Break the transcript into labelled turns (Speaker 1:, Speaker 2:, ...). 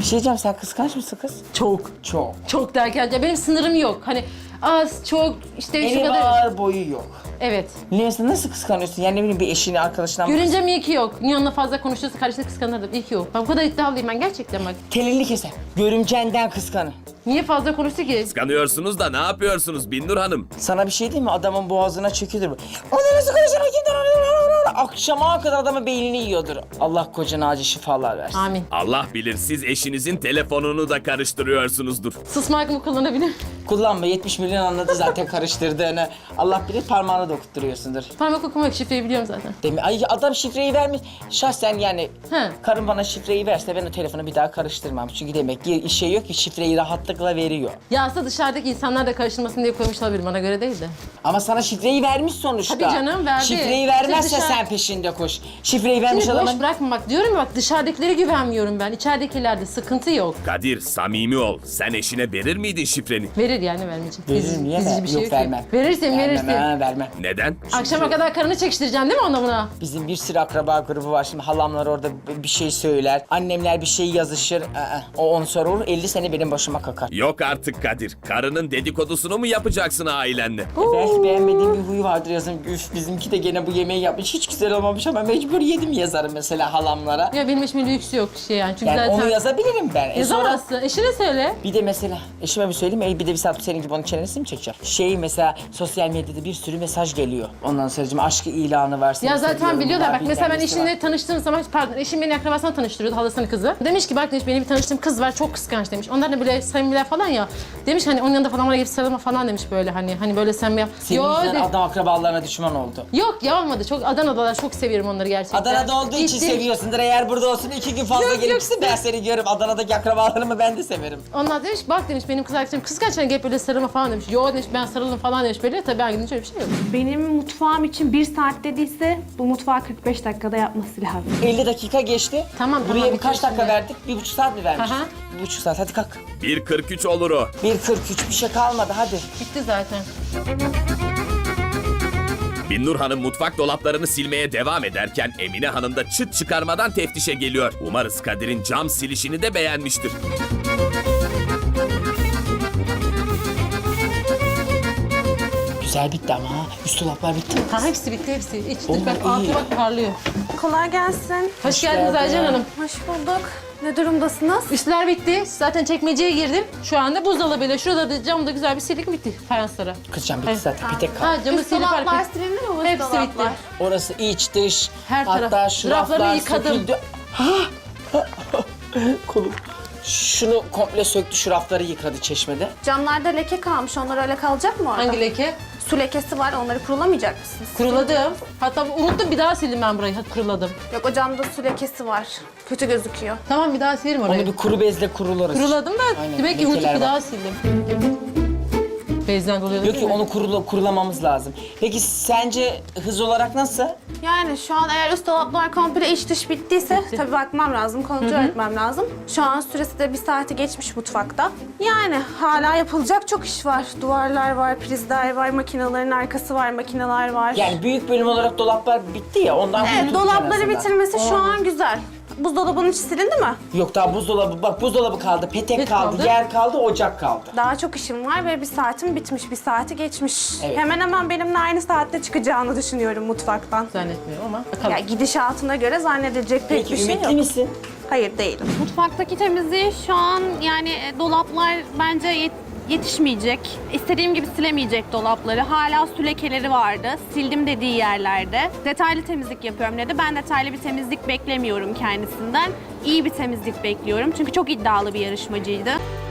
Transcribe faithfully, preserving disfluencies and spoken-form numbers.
Speaker 1: Bir şey diyeceğim, sen kıskanç mısın kız?
Speaker 2: Çok.
Speaker 1: Çok.
Speaker 2: Çok derken ya benim sınırım yok. Hani az, çok, işte şu
Speaker 1: Eni
Speaker 2: kadar.
Speaker 1: var, boyu yok.
Speaker 2: Evet.
Speaker 1: Neyse, nasıl kıskanıyorsun? Yani ne bileyim, bir eşini, arkadaşından mı?
Speaker 2: Görünce mi iyi ki yok? Yanına fazla konuşuyorsa karşısında kıskanırdım. İyi ki yok. Ben bu kadar iddialıyım ben gerçekten bak.
Speaker 1: Telini keser. Görümcenden kıskanı.
Speaker 2: Niye fazla konuştu ki?
Speaker 3: Kıskanıyorsunuz da ne yapıyorsunuz Binnur Hanım?
Speaker 1: Sana bir şey diyeyim mi? Adamın boğazına çekiyordur bu. O da nasıl konuşur? Kimden alıyor? Akşama kadar adamın beynini yiyordur. Allah kocana acı şifalar versin.
Speaker 2: Amin.
Speaker 3: Allah bilir siz eşinizin telefonunu da karıştırıyorsunuzdur.
Speaker 2: Susma hakkımı kullanabilir.
Speaker 1: Kullanma, yetmiş milyon anladı zaten karıştırdığını. Allah bilir, parmağını da okutturuyorsundur.
Speaker 2: Parmak okumak şifreyi biliyorum zaten.
Speaker 1: Değil mi? Ay, adam şifreyi vermiş. Şahsen yani
Speaker 2: He.
Speaker 1: karım bana şifreyi verse ben o telefonu bir daha karıştırmam. Çünkü demek ki işe yok ki, şifreyi rahatlıkla veriyor.
Speaker 2: Ya aslında dışarıdaki insanlar da karıştırmasın diye koymuş olabilir, bana göre değil de.
Speaker 1: Ama sana şifreyi vermiş sonuçta.
Speaker 2: Tabii canım, verdi.
Speaker 1: Şifreyi vermezse
Speaker 2: Dışarı-
Speaker 1: sen peşinde koş. Şifreyi vermiş
Speaker 2: Şimdi boş
Speaker 1: adamın...
Speaker 2: bırakma bak, diyorum ya bak, dışarıdakilere güvenmiyorum ben. İçeridekilerde sıkıntı yok.
Speaker 3: Kadir samimi ol. Sen eşine verir miydin şifreni?
Speaker 2: Verir yani, vermeyecek.
Speaker 1: Veririm, niye
Speaker 2: Ezici
Speaker 1: ver?
Speaker 2: bir şey
Speaker 1: Yok,
Speaker 2: yok
Speaker 1: vermem.
Speaker 2: ki. Verirsin,
Speaker 1: Vermem,
Speaker 2: verirsin.
Speaker 1: ha, vermem.
Speaker 3: Neden?
Speaker 2: Akşama kadar karını çekiştireceksin değil mi ona buna?
Speaker 1: Bizim bir sürü akraba grubu var. Şimdi halamlar orada bir şey söyler. Annemler bir şey yazışır. Aa, o onu sorur. elli sene benim başıma kakar.
Speaker 3: Yok artık Kadir. Karının dedikodusunu mu yapacaksın ailenle?
Speaker 1: E belki beğenmediğim bir huyu vardır yazın. Üf, bizimki de gene bu yemeği yapmış. Hiç güzel olmamış ama mecbur yedim yazarım mesela halamlara.
Speaker 2: Ya benim eşimin lüksü yok şey yani. Çünkü
Speaker 1: Yani
Speaker 2: zaten...
Speaker 1: onu yazabilirim ben. E sonra
Speaker 2: Yazamazsın. Eşine söyle.
Speaker 1: bir de mesela eşime bir söyleyeyim mi? Bir de bir saat senin gibi onun çenesini mi çekeceğim? Şey mesela sosyal medyada bir sürü mesaj geliyor. Ondan sonra aşkı ilanı var. seni
Speaker 2: Ya zaten
Speaker 1: seviyorum
Speaker 2: biliyorlar
Speaker 1: var,
Speaker 2: bak, mesela ben
Speaker 1: bilmem nesi var.
Speaker 2: eşimle tanıştığım zaman, pardon, eşim beni akrabasına tanıştırıyordu, halasının kızı. Demiş ki bak demiş, benim bir tanıştığım kız var, çok kıskanç demiş. Onlar da böyle samimiler falan ya. Demiş hani onun yanında falan oraya gidip sarılma falan demiş, böyle hani hani böyle samimi.
Speaker 1: Senin
Speaker 2: Yo,
Speaker 1: yüzünden
Speaker 2: de-
Speaker 1: adam akrabalarına düşman oldu.
Speaker 2: Yok ya, olmadı. Çok Adana'dalar, çok seviyorum onları gerçekten.
Speaker 1: Adana'da olduğu için
Speaker 2: Gittim.
Speaker 1: seviyorsundur. Eğer burada olsun iki gün fazla
Speaker 2: Yok,
Speaker 1: gelipsin
Speaker 2: yok.
Speaker 1: ben seni görürüm. Adana'daki akrabalarımı ben de severim.
Speaker 2: Onlar demiş bak demiş, benim kız arkadaşım kıskanç, hani gelip böyle sarılma falan demiş. Yo demiş, ben sarılırım falan demiş böyle. Tabii ben gidince öyle bir şey yok.
Speaker 4: Benim mutfağım için bir saat dediyse bu mutfağı kırk beş dakikada yapması lazım.
Speaker 1: elli dakika geçti.
Speaker 2: Tamam,
Speaker 1: Buraya
Speaker 2: tamam,
Speaker 1: bir kaç
Speaker 2: bitiyor
Speaker 1: dakika
Speaker 2: şimdi.
Speaker 1: verdik? Bir buçuk saat mi vermiştik?
Speaker 2: Aha.
Speaker 1: Bir buçuk saat. Hadi kalk.
Speaker 3: bir kırk üç olur o.
Speaker 1: bir kırk üç bir şey kalmadı. Hadi.
Speaker 2: Bitti zaten.
Speaker 3: Binnur Hanım mutfak dolaplarını silmeye devam ederken Emine Hanım da çıt çıkarmadan teftişe geliyor. Umarız Kadir'in cam silişini de beğenmiştir.
Speaker 1: Güzel bitti ama ha. Üst dolaplar bitti mi?
Speaker 2: Ha, hepsi bitti, hepsi. İç
Speaker 1: Oh,
Speaker 2: dış bak,
Speaker 1: iyi.
Speaker 2: altı bak parlıyor.
Speaker 4: Kolay gelsin.
Speaker 2: Hoş, geldiniz
Speaker 1: geldin.
Speaker 2: Aycan Hanım.
Speaker 4: Hoş bulduk. Ne durumdasınız?
Speaker 2: Üstler bitti. Zaten çekmeceye girdim. Şu anda buzdolabıyla şurada da camda güzel bir silik bitti fayanslara.
Speaker 1: Kızcan bitti
Speaker 2: Evet.
Speaker 1: zaten. Bir tek kaldı.
Speaker 2: Ha, camı
Speaker 4: Üst
Speaker 2: silip
Speaker 4: dolaplar
Speaker 2: arka-
Speaker 4: silindi mi? Üst
Speaker 2: Hepsi
Speaker 4: dolaplar.
Speaker 2: bitti.
Speaker 1: Orası iç dış.
Speaker 2: Her
Speaker 1: Hatta
Speaker 2: taraf.
Speaker 1: şu
Speaker 2: Rafları
Speaker 1: raflar
Speaker 2: yıkadım.
Speaker 1: söküldü. Ha! Kolum. Şunu komple söktü, şu rafları yıkadı çeşmede.
Speaker 4: Camlarda leke kalmış. Onlar öyle kalacak mı orada?
Speaker 2: Hangi leke?
Speaker 4: Su lekesi var. Onları kurulamayacak mısınız?
Speaker 2: Kuruladım. Hatta unuttum, bir daha sildim ben burayı. Hadi kuruladım.
Speaker 4: Yok, o camda su lekesi var. Kötü gözüküyor.
Speaker 2: Tamam, bir daha silerim orayı.
Speaker 1: Onu bir kuru bezle kuruluruz.
Speaker 2: Kuruladım da
Speaker 1: Aynen,
Speaker 2: demek ki unutup
Speaker 1: lekeler
Speaker 2: bir
Speaker 1: var.
Speaker 2: daha sildim. Bezden doluyordu
Speaker 1: Yok
Speaker 2: değil
Speaker 1: ki
Speaker 2: mi?
Speaker 1: onu kurula, kurulamamız lazım. Peki sence hız olarak nasıl?
Speaker 4: Yani şu an eğer üst dolaplar komple iç dış bittiyse tabii bakmam lazım, kontrol etmem lazım. Şu an süresi de bir saati geçmiş mutfakta. Yani hala yapılacak çok iş var. Duvarlar var, prizler var, makinelerin arkası var, makineler var.
Speaker 1: Yani büyük bölüm olarak dolaplar bitti ya, ondan
Speaker 4: Evet,
Speaker 1: kurtulduk en
Speaker 4: dolapları
Speaker 1: azından.
Speaker 4: bitirmesi şu an güzel. Buzdolabının içi silindi mi?
Speaker 1: Yok, daha buzdolabı, bak buzdolabı kaldı, petek
Speaker 2: Pet
Speaker 1: kaldı,
Speaker 2: kaldı.
Speaker 1: yer kaldı, ocak kaldı.
Speaker 4: Daha çok işim var ve bir saatim bitmiş, bir saati geçmiş.
Speaker 1: Evet.
Speaker 4: Hemen hemen benimle aynı saatte çıkacağını düşünüyorum mutfaktan.
Speaker 2: Zannetmiyorum ama bakalım.
Speaker 4: Ya gidişatına göre zannedilecek pek
Speaker 1: Peki
Speaker 4: bir şey
Speaker 1: ümitli
Speaker 4: yok.
Speaker 1: misin?
Speaker 4: Hayır, değilim.
Speaker 5: Mutfaktaki temizliği şu an yani e, dolaplar bence yet- yetişmeyecek. İstediğim gibi silemeyecek dolapları. Hala su lekeleri vardı. Sildim dediği yerlerde. Detaylı temizlik yapıyorum dedi. Ben detaylı bir temizlik beklemiyorum kendisinden. İyi bir temizlik bekliyorum. Çünkü çok iddialı bir yarışmacıydı.